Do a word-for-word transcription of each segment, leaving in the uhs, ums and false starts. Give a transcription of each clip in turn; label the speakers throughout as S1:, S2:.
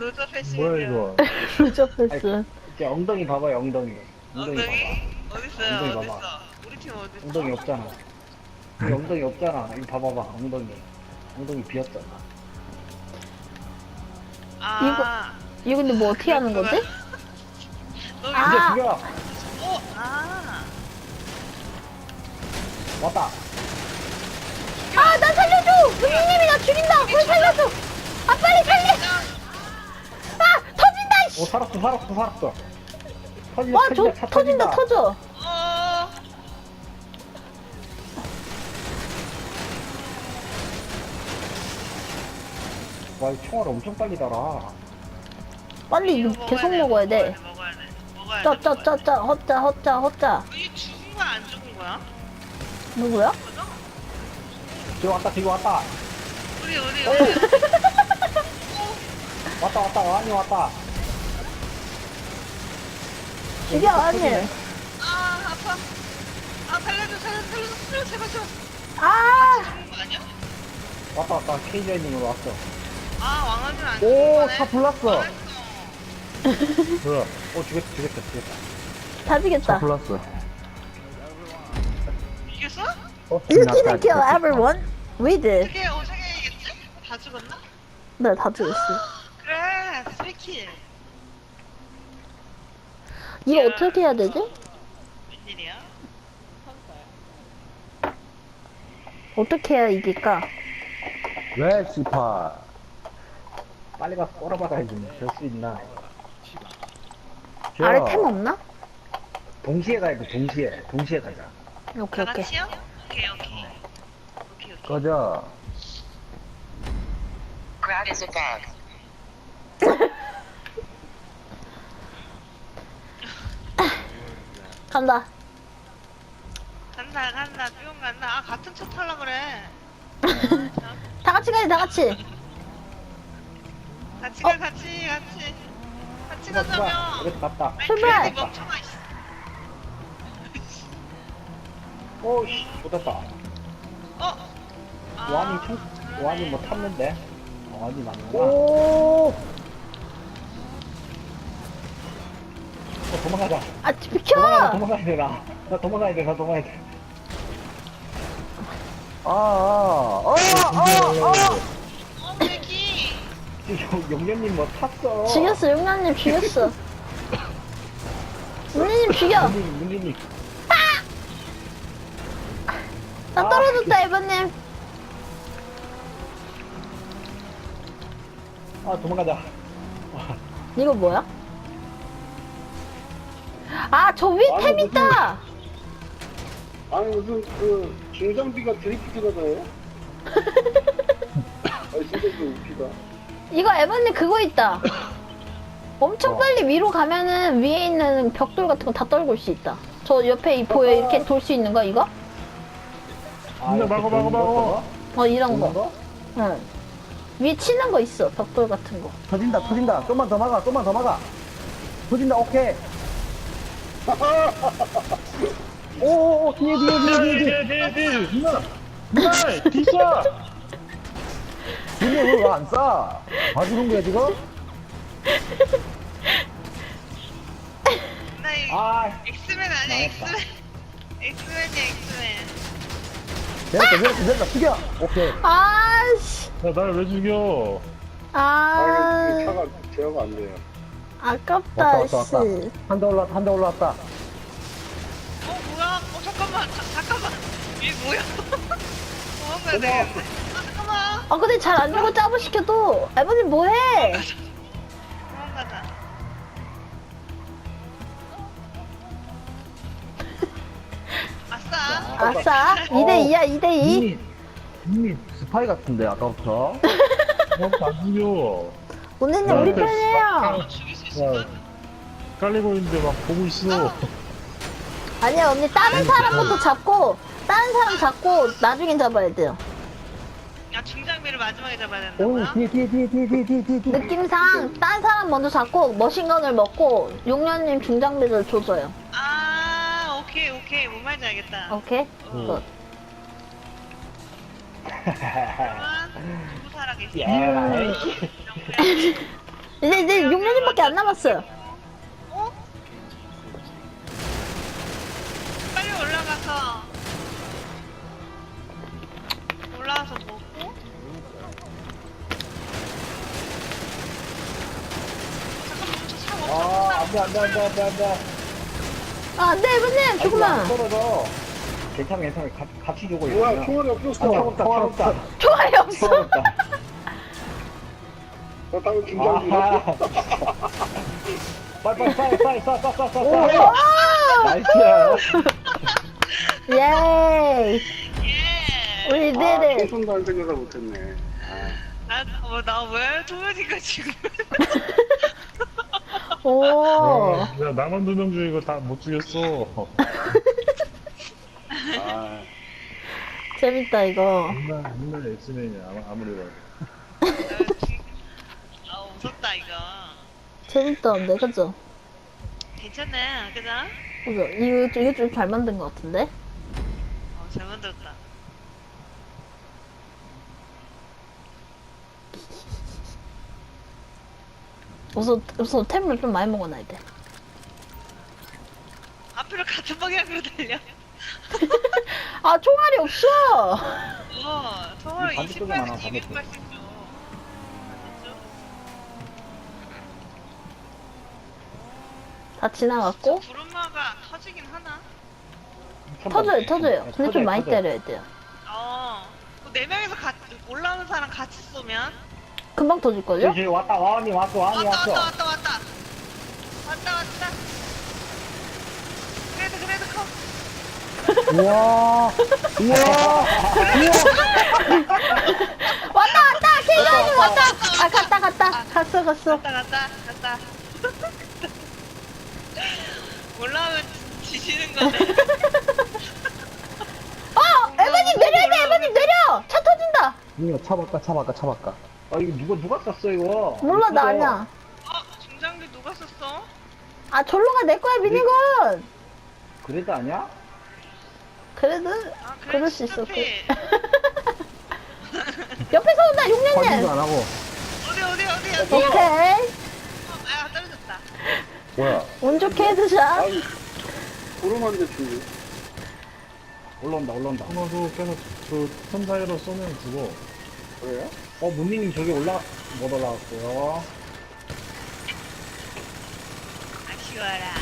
S1: 로저 패시.
S2: 뭐야 이거?
S3: 루저 패스.
S4: 이제 엉덩이 봐봐요, 엉덩이. 엉덩이
S1: 엉덩이?
S4: 봐봐.
S1: 어딨어요?
S4: 엉덩이
S1: 어딨어?
S4: 봐봐.
S1: 우리 팀 어딨어?
S4: 엉덩이 없잖아. 여기 엉덩이 없잖아. 이거 봐봐봐, 엉덩이. 엉덩이 비었잖아.
S1: 아.
S3: 이거 근데 뭐 어떻게 하는 거지?
S1: 너
S3: 아.
S4: 이제
S1: 이제
S4: 죽여!
S1: 어? 아.
S4: 왔다!
S3: 아, 나 살려줘! 은희님이 나 죽인다! 왜 살려줘! 아, 빨리 살려! 아, 터진다,
S4: 오,
S3: 씨!
S4: 살았어, 살았어, 살았어. 터진다,
S3: 와, 저,
S4: 터진다, 차
S3: 터진다, 터져.
S1: 어.
S4: 와, 이 총알 엄청 빨리 달아.
S3: 빨리 이거
S1: 이거
S3: 계속
S1: 먹어야
S3: 먹어야 돼.
S1: 먹어야 돼. 먹어야 돼.
S3: 짜, 짜,
S1: 먹어야
S3: 짜,
S1: 돼.
S3: 짜, 헛짜, 헛짜, 헛짜.
S1: 이게 죽은 거야 안 죽은 거야?
S3: 누구야?
S1: 그죠?
S4: 지금 왔다, 지금 왔다.
S1: 우리 우리
S4: 어.
S1: 우리.
S4: 왔다, 왔다, 완이 왔다.
S3: 죽여, 아니.
S1: 아 아파. 아 살려줘 살려줘 살려줘 살려줘 제발 제발.
S3: 아!
S1: 죽은 거 아니야?
S4: 왔다, 왔다. 케이저님으로 왔어.
S1: 아 왕아준 안 죽은
S4: 오,
S1: 거네.
S4: 차 불났어.
S1: 망했어.
S2: 뭐야?
S4: 오, 죽였다, 죽였다, 죽였다.
S3: 다 죽였다.
S2: 불났어.
S1: 이겼어?
S4: 어,
S3: You didn't kill everyone. We did.
S1: 어떻게 어떻게 이겼지? 다 죽었나?
S3: 네, 다 죽였어.
S1: 그래 스리킬.
S3: 이거 어떻게 해야 되지?
S1: 웬일이야?
S3: 어떻게 해야 이길까?
S2: 왜 씨파?
S4: 빨리 가서 꼬라박아야지. 될 수 있나?
S3: 아래 템 없나?
S4: 동시에 가야 돼, 동시에. 동시에 가자.
S3: 오케이,
S1: 다
S3: 오케이.
S1: 같이요? 오케이 오케이. 오케이 오케이.
S2: 꺼져.
S5: Grab is a bag.
S3: 간다.
S1: 간다 간다 뿅 간다. 아 같은 차 타려 그래.
S3: 다 같이 가야 돼, 다 같이.
S1: 같이 가 같이 같이 같이
S4: 누가, 누가.
S1: 가자며.
S4: 이렇게 갔다.
S1: 아이,
S3: 출발!
S1: 괜히 멍청아 있어.
S4: 오, 씨, 못했다.
S1: 어? 아,
S4: 완이 총,
S1: 그러네.
S4: 완이 뭐 탔는데? 어, 완이 맞는구나.
S3: 오.
S4: 어, 도망가자.
S3: 아,
S4: 도망가야,
S3: 비켜!
S4: 도망가야 돼, 나. 나 도망가야 돼, 나 도망가야 돼.
S2: 아, 아, 아, 아,
S1: 어 맥이.
S4: 지금 영년님 뭐 탔어.
S3: 죽였어, 용량님 죽였어. 용량님 죽여!
S4: 영년님, 영년님.
S3: 나 떨어졌다, 에바님.
S4: 아, 도망가자.
S3: 이거 뭐야? 아, 저 위에 템
S6: 아니,
S3: 있다!
S6: 아니 무슨 그 중장비가 드리프트가 나요? 아니 진짜 그 웃기다.
S3: 이거 에바님 그거 있다. 엄청
S4: 어.
S3: 빨리 위로 가면은 위에 있는 벽돌 같은 거 다 떨굴 수 있다. 저 옆에 이 보여 이렇게 돌 수 있는 거 이거?
S4: 아,
S2: 근데
S4: 이렇게
S2: 막어,
S4: 도는
S2: 막어,
S4: 거,
S2: 막어.
S3: 어 이런
S4: 도는
S3: 거.
S4: 거?
S3: 응. 위에 치는 거 있어. 벽돌 같은 거.
S2: 터진다, 터진다. 좀만 더 막아, 좀만 더 막아. 터진다, 오케이. 오, 오, 오, 뒤에, 뒤에, 뒤에, 뒤에, 뒤에, 뒤에, 뒤에. 누나, 누나, 뒤져. 뒤에 왜안 싸? 봐주는 거야, 지금?
S1: 나 이,
S4: 아,
S1: 엑스맨 아니야
S4: 망했다.
S1: 엑스맨. 엑스맨이야 엑스맨.
S2: 됐다, 됐다, 됐다. 죽여. 오케이.
S3: 아씨.
S2: 야, 날 왜 죽여?
S6: 아
S3: 아.
S6: 이거 차가 제어가 안 돼요.
S3: 아깝다,
S2: 왔다, 왔다, 왔다.
S3: 씨.
S2: 한 대 올라왔다, 한 대 올라왔다.
S1: 어 뭐야? 어 잠깐만 자, 잠깐만. 이게 뭐야? 도망가야 되겠네. 아 잠깐만.
S3: 아, 근데 잘 안 죽어, 짜부 시켜도. 에바님 뭐해?
S1: 도망가자. 아싸.
S3: 아싸. 이 대 이야, 이 대 이.
S2: 이미, 이미 스파이 같은데, 아까부터. 어, 안 죽여.
S3: 오늘은
S2: 야,
S3: 우리
S2: 근데
S3: 편이에요.
S1: 죽일 수 있을까?
S2: 깔리고 있는데 막 보고 있어.
S3: 아니야, 언니 다른 사람부터 잡고, 다른 사람 잡고 나중에 잡아야 돼요.
S1: 야 중장비를 마지막에 잡아야
S2: 오,
S1: 된다고요?
S2: 뒤에, 뒤에, 뒤에, 뒤에, 뒤에, 뒤에, 뒤에, 뒤에.
S3: 느낌상 딴 사람 먼저 잡고 머신건을 먹고 용녀님 중장비를 줘줘요.
S1: 아 오케이 오케이 뭔 말인지 알겠다.
S3: 오케이?
S2: 음.
S3: 굿.
S1: 그러면 누구 살아계시?
S4: 예,
S3: 이제 이제 육 년밖에 안 남았어요.
S1: 어? 빨리 올라가서 올라와서 먹고. 잠깐만 저차 멈춰.
S4: 아, 안 돼, 안 돼, 안 돼, 안 돼, 안 돼.
S3: 아, 안돼 이번님
S4: 아이고, 안
S3: 조금만.
S4: 떨어져. 괜찮아, 괜찮아. 가, 같이 주고 있어.
S6: 뭐야, 총알이 없었어.
S4: 아, 차 없다, 차 없다.
S3: 총알이
S4: 차
S3: 없어.
S4: 없다.
S6: 나 방금 중장비
S4: 아하.
S6: 잃었어.
S4: 빨리, 빨리, 빨리, 빨리, 쏴, 쏴, 쏴, 쏴,
S3: 오!
S4: 쏴. 나이스.
S3: 예이.
S1: 예.
S3: 우리
S6: 아,
S3: 네네.
S6: 총선도 안 생겨서 못했네. 아.
S1: 나뭐나왜 도현이가 지금?
S3: 오.
S2: 야, 나만 두 명 중에 이거 다 못 죽였어.
S6: 아,
S3: 재밌다 이거.
S2: 맨날, 맨날 엑스맨이야, 아무- 아무리 봐도.
S1: 아 무섭다 이거.
S3: 재밌다는데 그죠?
S1: 괜찮네, 그죠?
S3: 그죠? 이거 이게 좀 잘 만든 것 같은데?
S1: 어, 잘 만들었다.
S3: 우선 우선 템을 좀 많이 먹어놔야 돼.
S1: 앞으로 같은 방향으로 달려.
S3: 아 총알이 없어.
S1: 어, 서울
S4: 반대쪽에 많아,
S1: 이십팔에서
S4: 반대쪽.
S1: 이백팔십 줘. 반대쪽?
S3: 다 지나갔고
S1: 구름마가 터지긴 하나?
S3: 터져요 터져요. 근데
S4: 터져요,
S3: 좀 많이
S4: 터져요.
S3: 때려야 돼요.
S1: 어. 그네 명이서 같이 올라오는 사람 같이 쏘면?
S3: 금방 터질걸요?
S4: 저기, 저기 왔다, 와니 왔어, 와니
S1: 왔다
S4: 왔어.
S1: 왔다 왔다 왔다. 왔다 왔다. 그래도 그래도 커.
S4: 우와, 우와,
S3: 왔다 왔다 킬가님 왔다. 아 갔다 갔다 갔어 갔어.
S1: 갔다 갔다 갔다. 올라오면 지시는 거네.
S3: 어 에바님 내려야 돼 에바님 내려. 차 터진다.
S2: 이거 차 바꿔, 차 바꿔, 차 바꿔.
S4: 아, 이거 누가, 누가 쐈어, 이거?
S3: 몰라 나
S4: 이거
S3: 아니야.
S1: 어, 중장비 누가 썼어?
S3: 아 절로가 내 거야 미니건.
S4: 그래도 아니야?
S3: 그래도
S1: 아, 그래,
S3: 그럴 수 있어.
S1: 스타필.
S3: 옆에서 온다
S2: 확인도
S3: 육년님.
S2: 안 하고.
S1: 어디 어디 어디 어디?
S3: 오케이.
S1: 어, 아 떨어졌다.
S2: 뭐야?
S3: 운 좋게 헤드샷.
S6: 아이, 구름한데 죽이.
S4: 올라온다, 올라온다.
S2: 하나도 계속 그 틈 사이로 쏘면 죽어.
S6: 그래요?
S4: 어, 문미님 저기 올라, 못 올라왔고요.
S1: 아쉬워라.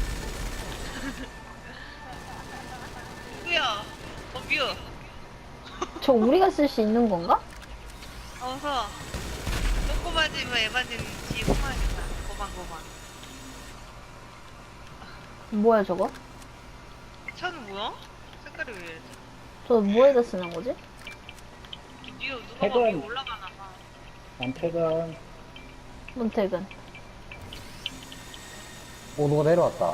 S1: 누구야? 어 뮤.
S3: 저 우리가 쓸 수 있는 건가?
S1: 어서. 꼬꼬바지면 에바진 뒤에 숨어야겠다. 고방고방.
S3: 뭐야 저거?
S1: 차는 뭐야? 색깔이 왜 이러지?
S3: 저 뭐에다 쓰는 거지?
S1: 뮤 누가
S4: 태근.
S1: 막 위에 올라가나 봐.
S4: 남태근.
S3: 문택은.
S2: 오, 누가 내려왔다.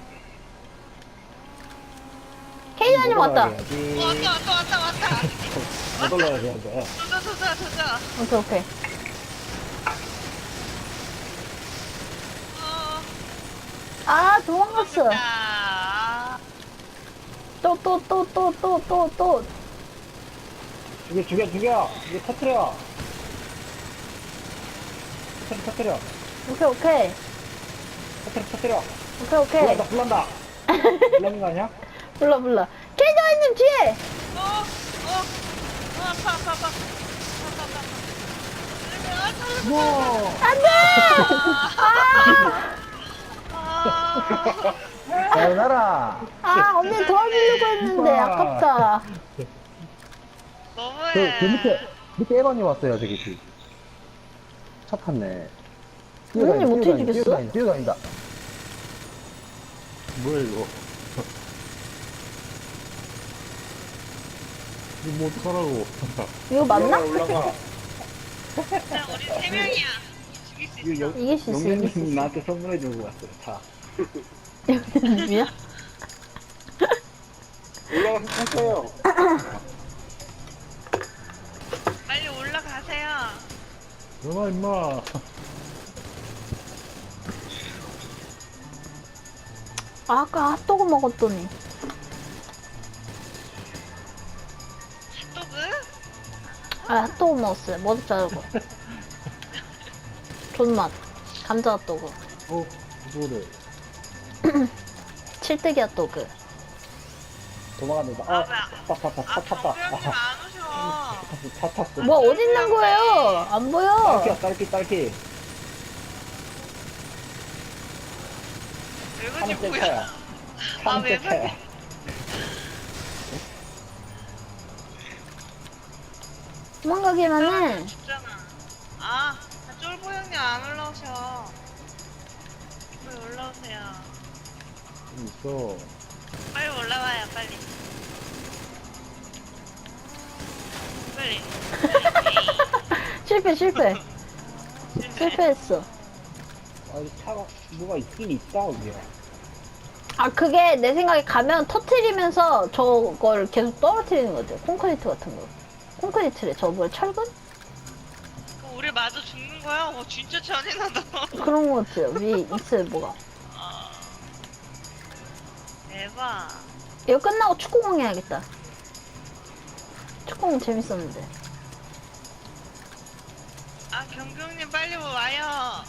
S3: 케이자님 왔다.
S1: 어, 왔다 왔다 왔다 왔다.
S4: 못 올라가야 돼.
S1: 도자 도자 도자.
S3: 오케이 오케이.
S1: 어.
S3: 아 도망갔어.
S1: 아.
S3: 또 또 또 또 또 또 또.
S4: 죽여, 죽여, 죽여. 이제 터트려. 터트려, 터트려.
S3: 오케이 오케이.
S4: 터트려, 터트려.
S3: 오케이 오케이.
S4: 불난다, 불난다. 불나는 거 아니야?
S3: 불러 불러. 케이자님 뒤에.
S1: 어. 어. 어 아파 아파 아파. 아파 아파. 아파.
S4: 뭐.
S3: 안돼.
S1: 아.
S2: sayonara.
S3: 아 언니 도와주려고 했는데
S2: 우와.
S3: 아깝다.
S1: 너무해.
S2: 그, 그 밑에, 밑에 에반이 왔어요, 저기. 그. 차 탔네.
S3: 언니 어떻게
S2: 뛰어다닌다,
S3: 죽였어?
S2: 뛰어다닌다, 뛰어다닌다. 뭐야, 이거. 이거 뭐 어떡하라고.
S3: 이거 맞나?
S6: 올라가.
S1: 그냥 우리 세 명이야. 죽일 수 있어.
S3: 이길 수 있어 이길 수
S4: 영민님
S3: 있어.
S4: 나한테 선물해 주고 왔어요. 자.
S3: 영민님이야?
S6: 올라가서 탔어요.
S1: 빨리 올라가세요.
S2: 누나, 임마.
S3: 아, 아까 핫도그 먹었더니.
S1: 핫도그?
S3: 아 핫도그 먹었어요. 머리 자르고. 존맛. 감자 핫도그.
S2: 어, 그거를.
S3: 칠뜨기 핫도그.
S2: 도망갑니다.
S1: 아,
S2: 아,
S1: 왜 안-
S2: 탔다, 탔다,
S1: 아,
S2: 탔 탔다.
S1: 경규형님
S2: 아,
S1: 안 오셔.
S2: 탔어, 탔 탔어.
S3: 뭐 어디 있는 거예요? 안 보여.
S2: 딸기야, 딸기, 딸기.
S1: 외근이
S2: 차는 새
S1: 뭐야?
S2: 차야.
S1: 아,
S2: 차는 새
S1: 왜
S2: 차야.
S3: 도망가기만 해.
S1: 죽잖아. 아, 쫄보 형님 안 올라오셔. 빨리 올라오세요.
S2: 좀 있어.
S1: 빨리 올라와요, 빨리. 빨리.
S3: 실패 실패. 실패했어.
S2: 아, 이 차가 뭐가 있긴 있다, 여기야.
S3: 아 그게 내 생각에 가면 터트리면서 저걸 계속 떨어뜨리는 거죠. 콘크리트 같은 거. 콘크리트래. 저 뭐야 철근?
S1: 그럼 우리 마저 죽는 거야? 어, 진짜 잔인하다.
S3: 그런 거 같아요. 위에 있어요 뭐가.
S1: 아, 대박.
S3: 이거 끝나고 축구공 해야겠다. 축구공 재밌었는데.
S1: 아, 경규 형님 빨리 와요.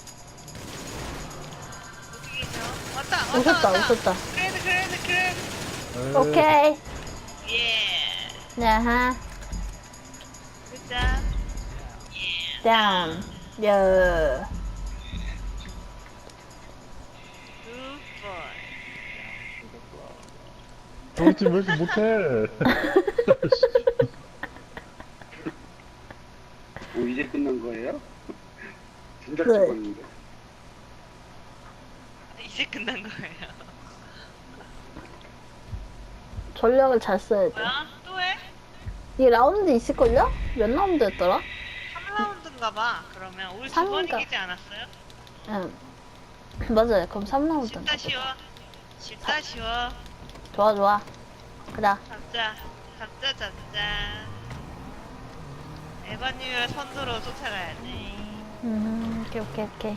S1: 어디 계셔? 왔다, 왔다,
S3: 웃었다
S1: 왔다.
S3: 웃었다.
S1: 그래도, 그래도, 그래도.
S3: 오케이.
S1: 예.
S3: 야하.
S1: 진짜. 예.
S3: 다운. 여.
S1: 굿보이.
S2: 저희 팀 왜 이렇게 못해?
S6: 뭐 이제 끝난 거예요? 진작
S3: 그래.
S6: 죽었는데.
S1: 이제 끝난 거예요.
S3: 전략을 잘 써야 돼.
S1: 뭐야? 또 해?
S3: 이 라운드 있을걸요? 몇 라운드였더라?
S1: 삼 라운드인가 봐. 그러면 우리 두 번
S3: 삼인가?
S1: 이기지 않았어요?
S3: 응. 맞아요. 그럼 삼 라운드인가
S1: 쉽다
S3: 보다.
S1: 쉬워. 쉽다 쉬워.
S3: 좋아 좋아. 그래.
S1: 잡자. 잡자 잡자. 에바님을 선두로 쫓아가야 돼.
S3: 음, 오케이 오케이 오케이.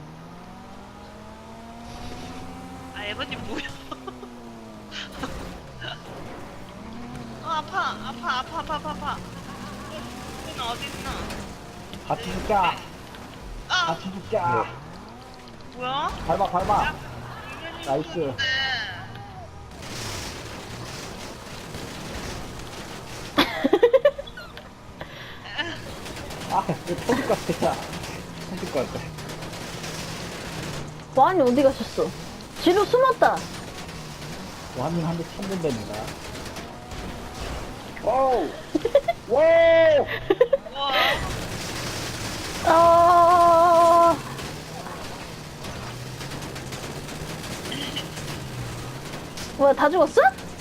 S1: 아 에바님 뭐야? 어 아파 아파 아파 아파 아파 아파. 는 어디 있나?
S2: 같이 죽자.
S1: 아
S2: 같이 죽자.
S1: 뭐야?
S2: 밟아, 밟아.
S1: 이거는
S2: 나이스.
S1: 죽었는데.
S2: 아, 이거 터질 것 같아. 터질 것 같아.
S3: 와인이 어디 가셨어? 뒤로 숨었다.
S2: 완전 한대 참는답니다. 와우! 와우!
S1: 우와.
S3: 어... 뭐야 다 죽었어?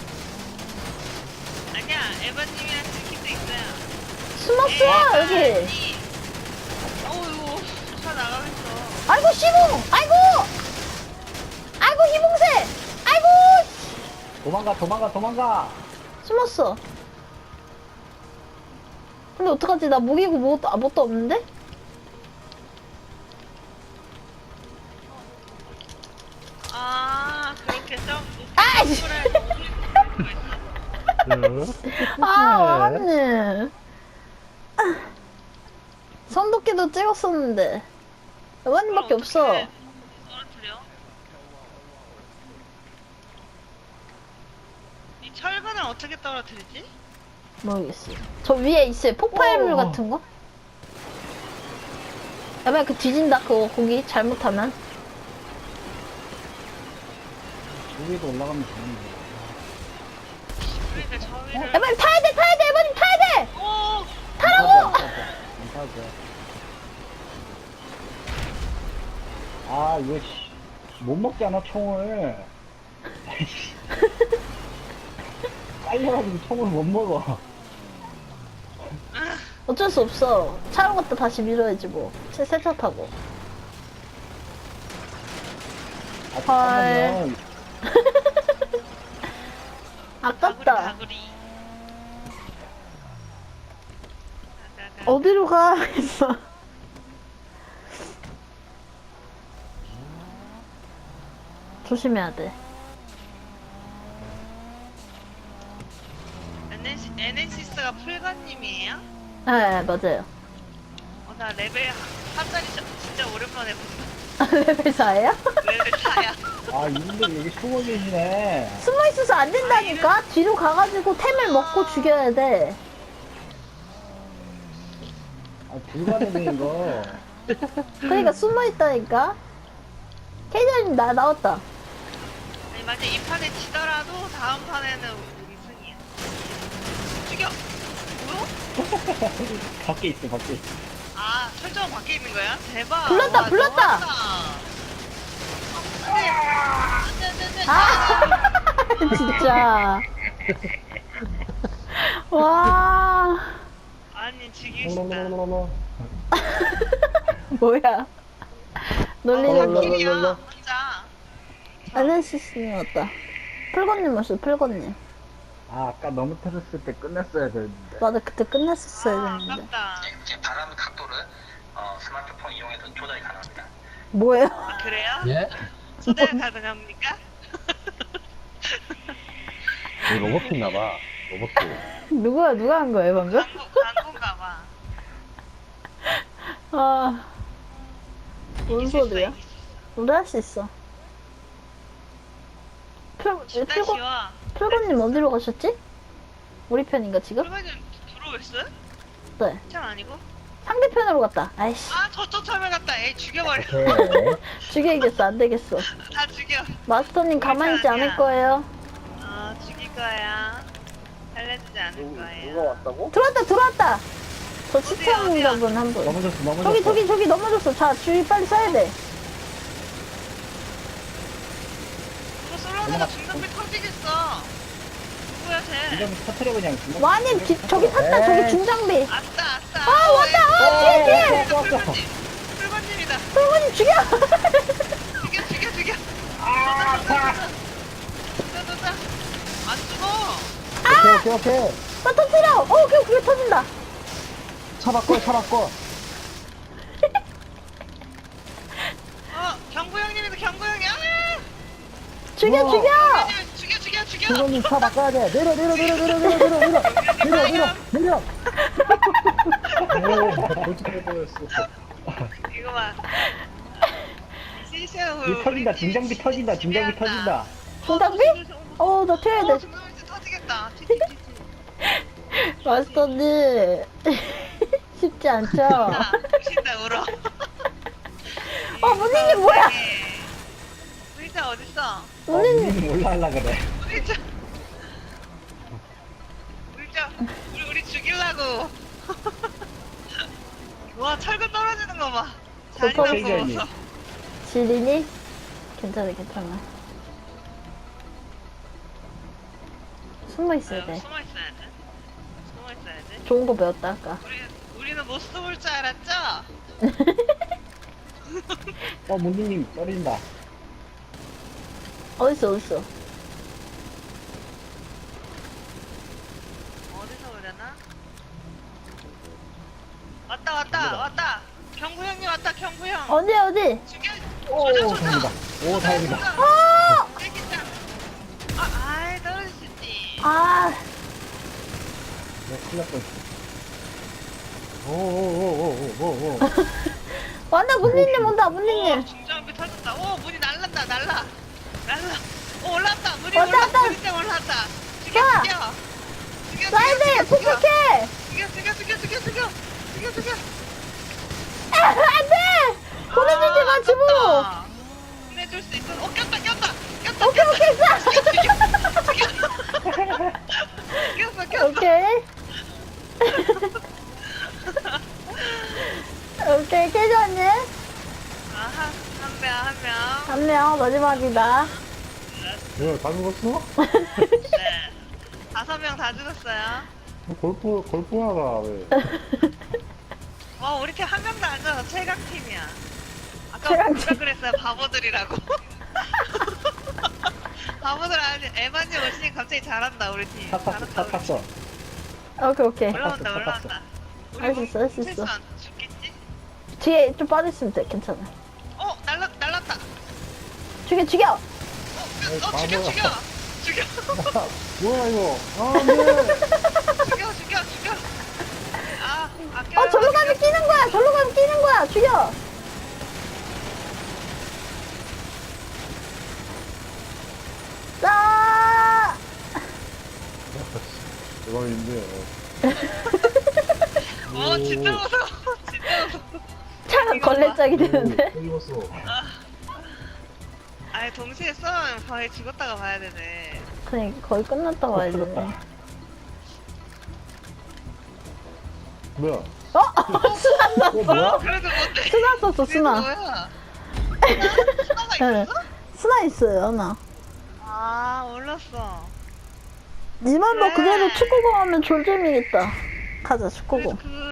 S1: 아니야 에바님이랑 스키도 있어요.
S3: 숨었어 여기.
S1: 어우 이거 차 나가겠어.
S3: 아이고 시봉. 아이고. 아이고 희봉새. 아이고.
S2: 도망가, 도망가, 도망가!
S3: 숨었어. 근데 어떡하지? 나 무기고 뭐, 아, 뭣도 없는데?
S1: 아 그렇게 좀
S3: 아이씨. 아, 맞네. 선도끼도 찍었었는데. 여관님밖에 없어.
S1: 떨어뜨려? 이 철근을 어떻게 떨어뜨리지?
S3: 모르겠어요. 저 위에 있어요. 폭발물
S2: 어.
S3: 같은 거? 야만 그 뒤진다, 그거, 거기, 잘못하면.
S2: 여기도 올라가면 되는데.
S1: 그러니까 저 위를
S3: 야만 타야 돼, 타야 돼, 에바님 타야 돼!
S1: 오!
S3: 타라고!
S2: 안 타도 아, 이거, 씨. 못 먹잖아, 총을. 깔려가지고 총을 못 먹어.
S3: 어쩔 수 없어. 차로 갔다 다시 밀어야지, 뭐. 새, 세차 타고.
S2: 아,
S3: 헐.
S2: 잠깐만.
S3: 아깝다.
S1: 가구리 가구리
S3: 어디로 가? 했어. 조심해야 돼.
S1: 에넨시, 에넨시스가 풀건님이에요?
S3: 네, 맞아요.
S1: 어, 나 레벨 한 살이 진짜 오랜만에 오랜만에 본다.
S3: 레벨 사예요?
S1: 레벨 사야.
S4: 아, 이분들 여기 숨어 계시네.
S3: 숨어 있어서 안 된다니까? 뒤로 가가지고 템을 먹고 죽여야 돼.
S4: 아, 불가능해, 이거.
S3: 그러니까 숨어 있다니까? 케이저님 나 나왔다.
S1: 아니 만약 이 판에 지더라도 다음 판에는 우리 승이야. 죽여. 뭐야?
S4: 밖에 있어, 밖에 있어.
S1: 아 설정 밖에 있는 거야? 대박.
S3: 불렀다,
S1: 와,
S3: 불렀다.
S1: 너무하다. 아, 안돼 안돼 안돼.
S3: 아, 진짜. 와,
S1: 아니 죽이고 싶다.
S4: 롤롤롤롤롤.
S3: 뭐야. 놀리는 거.
S1: 킬이야 혼자.
S3: 알레시스님 왔다. 풀건님 왔어, 풀건님.
S4: 아, 아까 너무 터졌을 때 끝냈어야 되는데.
S3: 맞아, 그때 끝났었어야
S1: 아
S3: 됐는데.
S1: 아깝다.
S5: 제 바람 각도를 어, 스마트폰 이용해서 조절이 가능합니다.
S3: 뭐예요?
S1: 아 그래요?
S2: 예?
S1: 초대 가능합니까?
S2: 여기 로봇 있나봐. 로봇.
S3: 누구야, 누가 한 거예요, 방금?
S1: 광고 광고인가 봐.
S3: 아, 뭔
S1: 이길 수 있어,
S3: 소리야?
S1: 이길 수 있어.
S3: 우리 할 수 있어. 풀,
S1: 진짜
S3: 풀건,
S1: 쉬워.
S3: 풀건님 어디로 가셨지? 우리 편인가, 지금?
S1: 그러면 들어오겠어요?
S3: 네.
S1: 참 아니고?
S3: 상대편으로 갔다. 아이씨.
S1: 아 저쪽 참여 갔다. 에이 죽여버려.
S2: 오케이.
S3: 죽여야겠어, 안 되겠어.
S1: 다 죽여.
S3: 마스터님 가만히 있지 않을 거예요.
S1: 어 죽일 거야. 살려주지 않을
S2: 누가
S1: 거예요.
S2: 왔다고?
S3: 들어왔다, 들어왔다! 저
S1: 어디야,
S3: 시청자분 한 분.
S4: 넘어졌어, 넘어졌어.
S3: 저기, 저기, 저기 넘어졌어. 자, 주위 빨리 써야 돼.
S1: 이거 솔로나가 중간에 터지겠어. 누구야 쟤?
S4: 이점 터트려, 그냥.
S3: 와님, 뒤- 저기 탔다, 저기 중장비.
S1: 아싸 아싸.
S3: 아, 왔다! 아, 뒤에, 뒤에!
S1: 풀건님. 풀건님이다.
S3: 풀건님 죽여!
S1: 죽여 죽여 죽여. 아 아파. 쏘쏘쏘. 안 죽어.
S2: 오케이, 오케이, 오케이.
S3: 나 터뜨려! 어, 그게, 그게 터진다.
S2: 차 바꿔, 차 바꿔.
S1: 어 경구 형님이다 경구 형이. 아!
S3: 죽여,
S2: 우와.
S3: 죽여!
S1: 죽여 죽여 죽여.
S2: 수건님 차 바꿔야 돼. 내려, 내려, 내려, 내려, 내려, 내려, 내려. 내려, 내려, 내려.
S4: 오, 돌직할 뻔했어.
S1: 이거 봐. 시시한
S4: 이 터진다, 중장비 터진다, 중장비 터진다.
S3: 중장비? 어, 나 튀어야
S1: 어
S3: 돼.
S1: 중장비 터지겠다. 티티티티.
S3: 마스터님. 쉽지 않죠?
S1: 자, 무신다 울어.
S3: 어, 문희님 뭐야?
S1: 의자 어딨어?
S4: 어,
S3: 문희님.
S4: 우리는 몰라 하려 그래.
S1: 의자. 의자. 우리 우리 죽이려고. 와 철근 떨어지는 거 봐. 잔인한
S4: 슈퍼
S1: 거.
S3: 지린이? 괜찮아, 괜찮아. 숨어 있어야 돼.
S1: 숨어 있어야 돼. 숨어 있어야 돼.
S3: 좋은 거 배웠다, 아까.
S1: 우리 우리는 못 숨을 줄 알았죠?
S4: 어, 문디님 떨어진다.
S3: 어딨어, 어딨어?
S1: 어디서 오려나? 왔다 왔다 왔다. 경구 형님 왔다 경구 형.
S3: 어디, 어디?
S1: 죽여.
S4: 오,
S1: 조져 조져.
S4: 다행이다. 오, 다행이다.
S3: 어!
S1: 땡긴다. 아, 아이 떨어질 수 있지.
S3: 아,
S4: 네, 큰일 날 뻔했어.
S2: 오오오오오오.
S3: 왔다, 문희님 온다,
S1: 오,
S3: 문희님.
S1: 중장비 터졌다. 오, 문이 날란다, 날라. 날라. 오, 올라왔다. 문이
S3: 왔다,
S1: 올라왔다.
S3: 왔다.
S1: 문이 올라왔다. 죽여,
S3: 자.
S1: 죽여. 죽여,
S3: 사이드,
S1: 죽여, 죽여.
S3: 폭격해!
S1: 죽여, 죽여, 죽여, 죽여, 죽여. 죽여, 죽여.
S3: 아, 안 돼! 보내주지 마, 지붕!
S1: 아깝다. 보내줄 수 있어. 어, 꼈다, 꼈다. 꼈다,
S3: 오케이, 오케이, 쏴!
S1: 꼈어, 꼈어.
S3: 오케이. 오케이, 캐주언님.
S1: 아하, 한 명, 한 명.
S3: 한 명, 마지막이다.
S2: 뭐야, 다 죽었어?
S1: 네. 다섯 명 다 죽었어요.
S2: 골프, 골프하다, 왜.
S1: 와, 우리 팀 한 명도 안 져서 최강팀이야. 아까
S3: 최강팀.
S1: 뭐라 그랬어요? 바보들이라고. 바보들 아니, 에반님 오시니 갑자기 잘한다, 우리 팀.
S4: 차 탔어,
S1: 잘한다,
S4: 차
S1: 우리
S4: 탔어.
S3: 오케이, 오케이.
S1: 팀. 올라온다,
S4: 탔어,
S1: 올라온다. 우리
S3: 할수
S1: 뭐
S3: 있어, 할수 있어.
S1: 실수 안 죽겠지?
S3: 뒤에 좀 빠져있으면 돼, 괜찮아.
S1: 어, 날라, 날랐다.
S3: 죽여, 죽여!
S1: 어, 어 죽여,
S2: 바보야.
S1: 죽여. 죽여.
S2: 뭐야, 이거. 아, 안 돼.
S1: 죽여, 죽여, 죽여. 아, 아껴.
S3: 어, 절로 가면 끼는 거야! 절로 가면 끼는 거야! 죽여!
S2: 대박인데.
S1: 어 진짜 무서워. 진짜 무서워.
S3: 차가 걸레짝이 되는데?
S2: 찍었어.
S1: 아니 동시에 싸우면 거의 죽었다가 봐야 되네.
S3: 그냥 거의 끝났다고 해야 되네.
S2: 뭐야?
S3: 어? 수나
S2: 어, 뭐야?
S1: 그래도 뭔데?
S3: 수나 썼어,
S1: 이게
S3: 수나.
S1: 뭐야? 수나가
S3: 네.
S1: 있었어?
S3: 수나 있어요, 나.
S1: 아 몰랐어.
S3: 니만 너
S1: 그래.
S3: 그대로 축구공 하면 졸잼이겠다. 가자, 축구공.
S1: 그